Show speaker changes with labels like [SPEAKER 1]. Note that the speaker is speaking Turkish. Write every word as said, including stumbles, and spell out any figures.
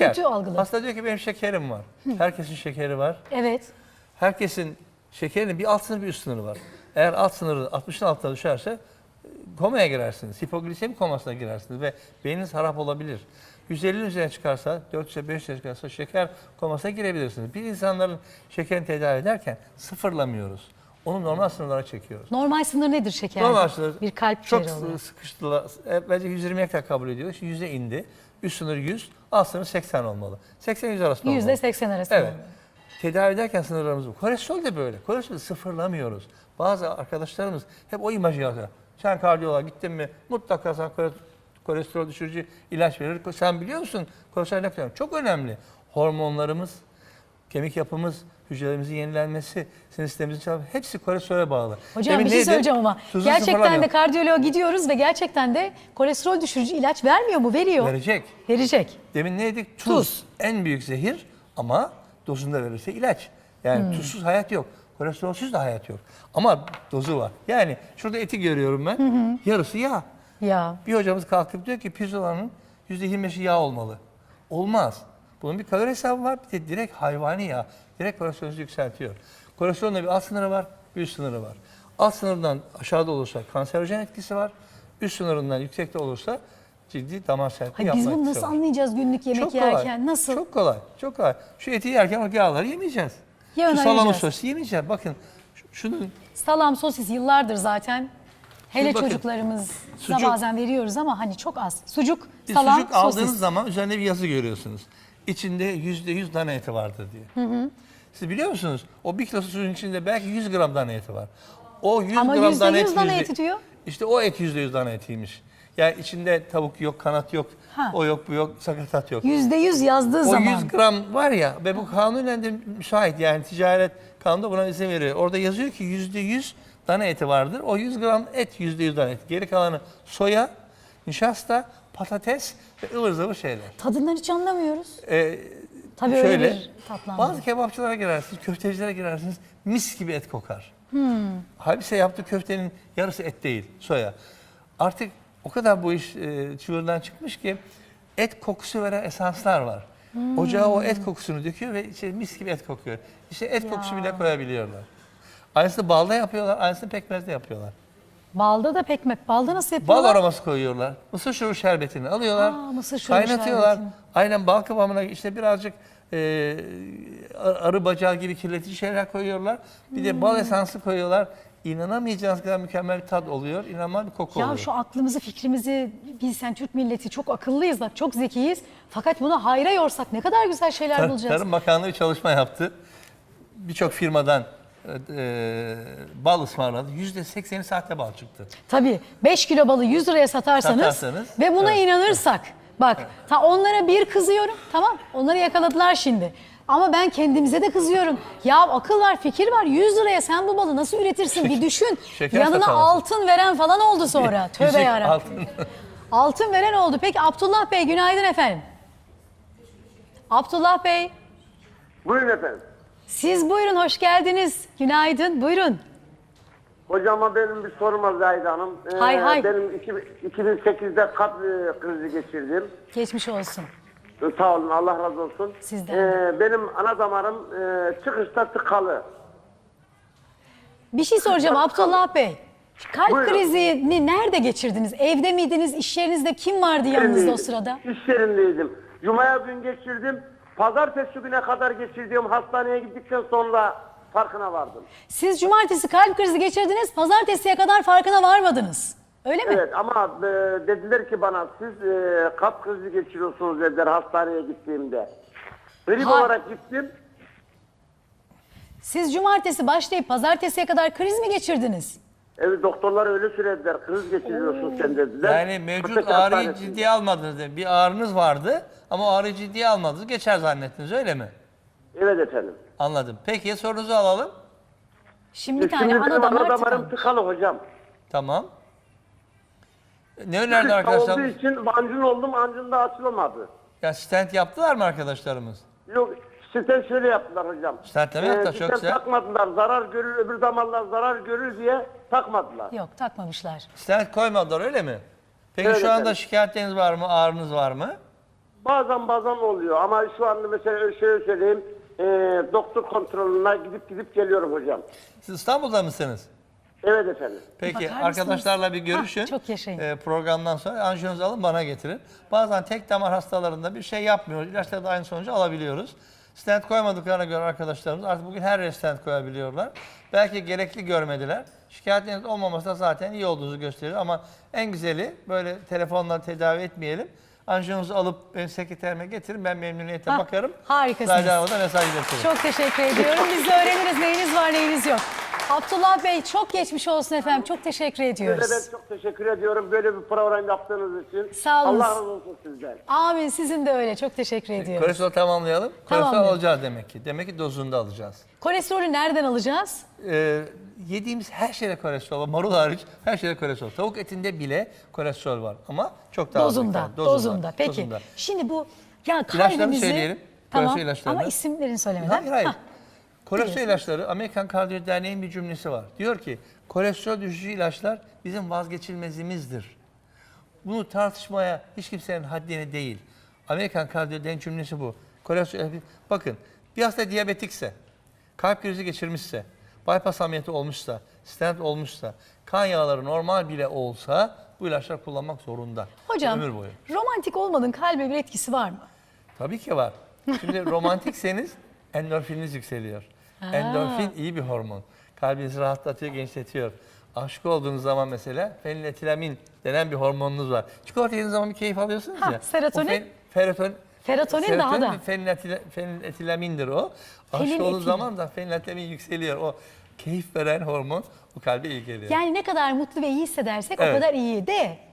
[SPEAKER 1] Şeker.
[SPEAKER 2] kötü algılar.
[SPEAKER 1] Hasta diyor ki benim şekerim var. Herkesin şekeri var.
[SPEAKER 2] Evet.
[SPEAKER 1] Herkesin şekerinin bir alt sınırı bir üst sınırı var. Eğer alt sınırı altmışın altına düşerse komaya girersiniz. Hipoglisemi komasına girersiniz ve beyniniz harap olabilir. yüz ellinin üzerine çıkarsa, dört yüze beş yüze çıkarsa şeker komasına girebilirsiniz. Biz insanların şekerini tedavi ederken sıfırlamıyoruz. Onu normal sınırlara çekiyoruz.
[SPEAKER 2] Normal sınır nedir şeker?
[SPEAKER 1] Normal sınır
[SPEAKER 2] Bir kalp
[SPEAKER 1] çok
[SPEAKER 2] değeri olarak.
[SPEAKER 1] sıkıştılar. E, Bence yüz yirmiye kadar kabul ediyoruz. Şimdi yüze indi. Üst sınır yüz, alt sınır seksen olmalı. seksen yüz arasında olmalı.
[SPEAKER 2] yüzde seksen arasında.
[SPEAKER 1] Evet. Tedavi ederken sınırlarımız bu. Kolesterol de böyle. Kolesterolü sıfırlamıyoruz. Bazı arkadaşlarımız hep o imajı yapıyor. Sen kardiyoloğa gittin mi mutlaka sana kolesterol düşürücü ilaç verir. Sen biliyor musun kolesterol ne kadar? Çok önemli. Hormonlarımız, kemik yapımız, hücrelerimizin yenilenmesi, sinir sistemimizin çalışması hepsi kolesterole bağlı.
[SPEAKER 2] Hocam
[SPEAKER 1] Demin
[SPEAKER 2] bir şey
[SPEAKER 1] neydi?
[SPEAKER 2] söyleyeceğim ama
[SPEAKER 1] Tuzu
[SPEAKER 2] gerçekten de
[SPEAKER 1] sıfırlamıyor.
[SPEAKER 2] kardiyoloğa gidiyoruz ve gerçekten de kolesterol düşürücü ilaç vermiyor mu? Veriyor.
[SPEAKER 1] Verecek.
[SPEAKER 2] Verecek.
[SPEAKER 1] Demin ne dedik? Tuz.
[SPEAKER 2] Tuz.
[SPEAKER 1] En büyük zehir ama dozunda verirse ilaç. Yani
[SPEAKER 2] Hmm.
[SPEAKER 1] tuzsuz hayat yok. Kolesterolsüz de hayat yok. Ama dozu var. Yani şurada eti görüyorum ben. Yarısı yağ.
[SPEAKER 2] Ya.
[SPEAKER 1] Bir hocamız kalkıp diyor ki pirzolanın yüzde yirmi beşi yağ olmalı. Olmaz. Bunun bir kalori hesabı var. Bir de direkt hayvani yağ. Direkt kolesterolünüzü yükseltiyor. Kolesterolün de bir alt sınırı var, bir üst sınırı var. Alt sınırından aşağıda olursa kanserojen etkisi var. Üst sınırından yüksekte olursa ciddi damar sertliği
[SPEAKER 2] Hayır,
[SPEAKER 1] yapma
[SPEAKER 2] biz bunu
[SPEAKER 1] etkisi
[SPEAKER 2] nasıl
[SPEAKER 1] var.
[SPEAKER 2] anlayacağız günlük yemek
[SPEAKER 1] Çok
[SPEAKER 2] yerken?
[SPEAKER 1] kolay.
[SPEAKER 2] Nasıl?
[SPEAKER 1] Çok kolay. Çok kolay. Şu eti yerken o yağları yemeyeceğiz.
[SPEAKER 2] Yağını
[SPEAKER 1] Şu salamı
[SPEAKER 2] ayıracağız.
[SPEAKER 1] sosu yemeyeceğiz. Bakın şu- şunun
[SPEAKER 2] Salam, sosis yıllardır zaten. Hele
[SPEAKER 1] Şimdi bakın,
[SPEAKER 2] çocuklarımıza
[SPEAKER 1] sucuk-
[SPEAKER 2] bazen veriyoruz ama hani çok az. Sucuk,
[SPEAKER 1] bir
[SPEAKER 2] salam,
[SPEAKER 1] sucuk aldığınız
[SPEAKER 2] sosis.
[SPEAKER 1] zaman üzerinde bir yazı görüyorsunuz. İçinde yüzde yüz dana eti vardır diye. Hı hı. Siz biliyor musunuz? O bir kilo sucuğun içinde belki yüz gram dana eti var. O yüz
[SPEAKER 2] Ama
[SPEAKER 1] gram
[SPEAKER 2] yüzde
[SPEAKER 1] dana
[SPEAKER 2] yüz
[SPEAKER 1] eti,
[SPEAKER 2] dana
[SPEAKER 1] yüzde-
[SPEAKER 2] eti diyor.
[SPEAKER 1] İşte o et yüzde yüz dana etiymiş. Yani içinde tavuk yok, kanat yok,
[SPEAKER 2] Ha.
[SPEAKER 1] o yok, bu yok, sakatat yok.
[SPEAKER 2] Yüzde yüz yazdığı
[SPEAKER 1] O
[SPEAKER 2] zaman.
[SPEAKER 1] yüz gram var ya ve bu kanunen de müsait, yani ticaret kanunu buna izin veriyor. Orada yazıyor ki yüzde yüz dana eti vardır. O yüz gram et yüzde yüz dana eti. Geri kalanı soya, nişasta, patates ve ıvır zıvır şeyler.
[SPEAKER 2] Tadından hiç anlamıyoruz.
[SPEAKER 1] Ee,
[SPEAKER 2] Tabii öyle
[SPEAKER 1] şöyle,
[SPEAKER 2] bir tatlandırma.
[SPEAKER 1] bazı kebapçılara girersiniz, köftecilere girersiniz, mis gibi et kokar. Halbuki yaptığı köftenin yarısı et değil, soya. Artık o kadar bu iş e, çığırından çıkmış ki et kokusu veren esanslar var. Ocağa o et kokusunu döküyor ve içeri mis gibi et kokuyor. İşte et
[SPEAKER 2] Ya.
[SPEAKER 1] kokusu bile koyabiliyorlar. Aynısını balda yapıyorlar, aynısını pekmezde yapıyorlar.
[SPEAKER 2] Balda da pekmek. Balda nasıl yapıyorlar?
[SPEAKER 1] Bal aroması koyuyorlar. Mısır şurubu şerbetini alıyorlar.
[SPEAKER 2] Aa, mısır şurubu
[SPEAKER 1] kaynatıyorlar.
[SPEAKER 2] şerbetini.
[SPEAKER 1] Aynen bal kıvamına işte birazcık e, arı bacağı gibi kirletici şeyler koyuyorlar. Bir de bal esansı koyuyorlar. İnanamayacağınız kadar mükemmel bir tat oluyor. İnanılmaz bir koku
[SPEAKER 2] Ya
[SPEAKER 1] oluyor.
[SPEAKER 2] şu aklımızı, fikrimizi bilsen Türk milleti çok akıllıyız bak, çok zekiyiz. Fakat bunu hayra yorsak ne kadar güzel şeyler
[SPEAKER 1] Tar-
[SPEAKER 2] bulacağız.
[SPEAKER 1] Tarım Bakanlığı bir çalışma yaptı. Birçok firmadan e, bal ısmarladı. yüzde sekseni sahte bal çıktı.
[SPEAKER 2] Tabii beş kilo balı yüz liraya satarsanız,
[SPEAKER 1] Satarsanız,
[SPEAKER 2] ve buna
[SPEAKER 1] evet.
[SPEAKER 2] inanırsak. Bak ta onlara bir kızıyorum, tamam, onları yakaladılar şimdi. Ama ben kendimize de kızıyorum. Ya akıl var, fikir var. yüz liraya sen bu balı nasıl üretirsin bir düşün.
[SPEAKER 1] Şeker
[SPEAKER 2] Yanına
[SPEAKER 1] satamazsın.
[SPEAKER 2] altın veren falan oldu sonra. Tövbe
[SPEAKER 1] Yüzük,
[SPEAKER 2] yarabbim.
[SPEAKER 1] altın.
[SPEAKER 2] Altın veren oldu. Peki Abdullah Bey, günaydın efendim. Abdullah Bey,
[SPEAKER 3] Buyurun efendim.
[SPEAKER 2] siz buyurun, hoş geldiniz. Günaydın, buyurun.
[SPEAKER 3] Hocama benim bir sorum var Zahide Hanım. Ee,
[SPEAKER 2] Hay hay.
[SPEAKER 3] Benim iki- iki bin sekizde kalp e, krizi geçirdim.
[SPEAKER 2] Geçmiş olsun.
[SPEAKER 3] Ee, Sağ olun, Allah razı olsun.
[SPEAKER 2] Sizden
[SPEAKER 3] Ee, benim ana damarım e, çıkışta tıkalı.
[SPEAKER 2] Bir şey soracağım Abdullah Bey. Kalp
[SPEAKER 3] Buyurun.
[SPEAKER 2] krizini nerede geçirdiniz? Evde miydiniz? İş yerinizde kim vardı yanınızda o sırada?
[SPEAKER 3] İş yerindeydim. Cuma'ya gün geçirdim. Pazartesi güne kadar geçirdiğim hastaneye gittikten sonra farkına vardım.
[SPEAKER 2] Siz cumartesi kalp krizi geçirdiniz, pazartesiye kadar farkına varmadınız. Öyle mi?
[SPEAKER 3] Evet ama e, dediler ki bana siz e, kalp krizi geçiriyorsunuz dediler hastaneye gittiğimde. Grip
[SPEAKER 2] Ha-
[SPEAKER 3] olarak gittim.
[SPEAKER 2] Siz cumartesi başlayıp pazartesiye kadar kriz mi geçirdiniz?
[SPEAKER 3] Evet doktorlar öyle söylediler. Kriz geçiriyorsun sen dediler.
[SPEAKER 1] Yani mevcut
[SPEAKER 3] Köpek
[SPEAKER 1] ağrıyı
[SPEAKER 3] hastanesinde.
[SPEAKER 1] ciddiye almadınız. değil mi? Bir ağrınız vardı ama o ağrıyı ciddiye almadınız. Geçer zannettiniz, öyle mi?
[SPEAKER 3] Evet efendim.
[SPEAKER 1] Anladım. Peki sorunuzu alalım.
[SPEAKER 2] Şimdi bir
[SPEAKER 3] Şimdi
[SPEAKER 2] tane
[SPEAKER 3] benim
[SPEAKER 2] ana damar
[SPEAKER 3] ana damarım
[SPEAKER 2] tıkanmış.
[SPEAKER 3] tıkalı hocam.
[SPEAKER 1] Tamam. Ne önerdi
[SPEAKER 3] Olduğu
[SPEAKER 1] arkadaşlar?
[SPEAKER 3] için ancın oldum, ancın da açılamadı.
[SPEAKER 1] Ya stent yaptılar mı arkadaşlarımız?
[SPEAKER 3] Yok, stent şöyle yaptılar hocam.
[SPEAKER 1] Stentleme yaptılar, çok
[SPEAKER 3] stent
[SPEAKER 1] güzel.
[SPEAKER 3] takmadılar, zarar görür, öbür damarlar zarar görür diye takmadılar.
[SPEAKER 2] Yok, takmamışlar.
[SPEAKER 1] Stent koymadılar, öyle mi? Peki
[SPEAKER 3] Evet
[SPEAKER 1] şu anda
[SPEAKER 3] efendim.
[SPEAKER 1] şikayetleriniz var mı? Ağrınız var mı?
[SPEAKER 3] Bazen bazen oluyor ama şu anda mesela şöyle söyleyeyim. E, doktor kontrolüne gidip gidip geliyorum hocam.
[SPEAKER 1] Siz İstanbul'da mısınız?
[SPEAKER 3] Evet efendim.
[SPEAKER 1] Peki
[SPEAKER 2] Bakar mısınız?
[SPEAKER 1] arkadaşlarla bir görüşün.
[SPEAKER 2] Hah, çok yaşayın.
[SPEAKER 1] Ee, programdan sonra anjiyonuzu alın bana getirin. Bazen tek damar hastalarında bir şey yapmıyoruz. İlaçlarda aynı sonucu alabiliyoruz. Stent koymadıklarına göre arkadaşlarımız artık bugün her yere stent koyabiliyorlar. Belki gerekli görmediler. Şikayetleriniz olmaması da zaten iyi olduğunuzu gösterir ama en güzeli böyle telefonla tedavi etmeyelim. Anjiyonuzu alıp benim sekreterime getirin. Ben memnuniyetle
[SPEAKER 2] Hah,
[SPEAKER 1] bakarım.
[SPEAKER 2] harikasınız.
[SPEAKER 1] Zahide Hanım'a da mesaj iletirim.
[SPEAKER 2] Çok teşekkür ediyorum. Biz de öğreniriz neyiniz var neyiniz yok. Abdullah Bey çok geçmiş olsun efendim. Çok teşekkür ediyoruz.
[SPEAKER 3] Ben çok teşekkür ediyorum böyle bir program yaptığınız için.
[SPEAKER 2] Sağ olun.
[SPEAKER 3] Allah razı olsun sizden.
[SPEAKER 2] Amin, sizin de öyle. Çok teşekkür ediyoruz.
[SPEAKER 1] Kolesterol tamamlayalım. Kolesterol
[SPEAKER 2] Tamamlayalım.
[SPEAKER 1] alacağız demek ki. Demek ki dozunda alacağız.
[SPEAKER 2] Kolesterolü nereden alacağız?
[SPEAKER 1] Ee, yediğimiz her şeyde kolesterol var. Marul hariç her şeyde kolesterol. Tavuk etinde bile kolesterol var ama çok daha az
[SPEAKER 2] Dozunda,
[SPEAKER 1] miktarda.
[SPEAKER 2] dozunda. Peki.
[SPEAKER 1] dozunda.
[SPEAKER 2] Şimdi bu ya
[SPEAKER 1] İlaçlarını
[SPEAKER 2] kalbimizi...
[SPEAKER 1] söyleyelim.
[SPEAKER 2] Tamam
[SPEAKER 1] Kolesterol ilaçlarını.
[SPEAKER 2] ama isimlerini söylemeden.
[SPEAKER 1] Hayır hayır.
[SPEAKER 2] Hah,
[SPEAKER 1] Kolesterol
[SPEAKER 2] biliyorsunuz.
[SPEAKER 1] ilaçları Amerikan Kardiyoloji Derneği'nin bir cümlesi var. Diyor ki kolesterol düşürücü ilaçlar bizim vazgeçilmezimizdir. Bunu tartışmaya hiç kimsenin haddine değil. Amerikan Kardiyoloji Derneği'nin cümlesi bu. Kolesterol, bakın bir hasta diyabetikse, kalp krizi geçirmişse, bypass ameliyatı olmuşsa, stent olmuşsa, kan yağları normal bile olsa bu ilaçlar kullanmak zorunda.
[SPEAKER 2] Hocam
[SPEAKER 1] Ömür boyu.
[SPEAKER 2] romantik olmanın kalbe bir etkisi var mı?
[SPEAKER 1] Tabii ki var. Şimdi romantikseniz endorfininiz yükseliyor. Endorfin iyi bir hormon. Kalbinizi rahatlatıyor, genişletiyor. Aşık olduğunuz zaman mesela feniletilamin denen bir hormonunuz var. Çikolata yediğiniz zaman bir keyif alıyorsunuz
[SPEAKER 2] Ha,
[SPEAKER 1] ya.
[SPEAKER 2] serotonin.
[SPEAKER 1] O fen- feroton,
[SPEAKER 2] Serotonin daha da.
[SPEAKER 1] ve feniletila- feniletilamindir o. Aşık
[SPEAKER 2] Feniletilamin.
[SPEAKER 1] olduğunuz zaman da feniletilamin yükseliyor. O keyif veren hormon bu kalbe iyi geliyor.
[SPEAKER 2] Yani ne kadar mutlu ve iyi hissedersek o
[SPEAKER 1] Evet.
[SPEAKER 2] kadar iyi de.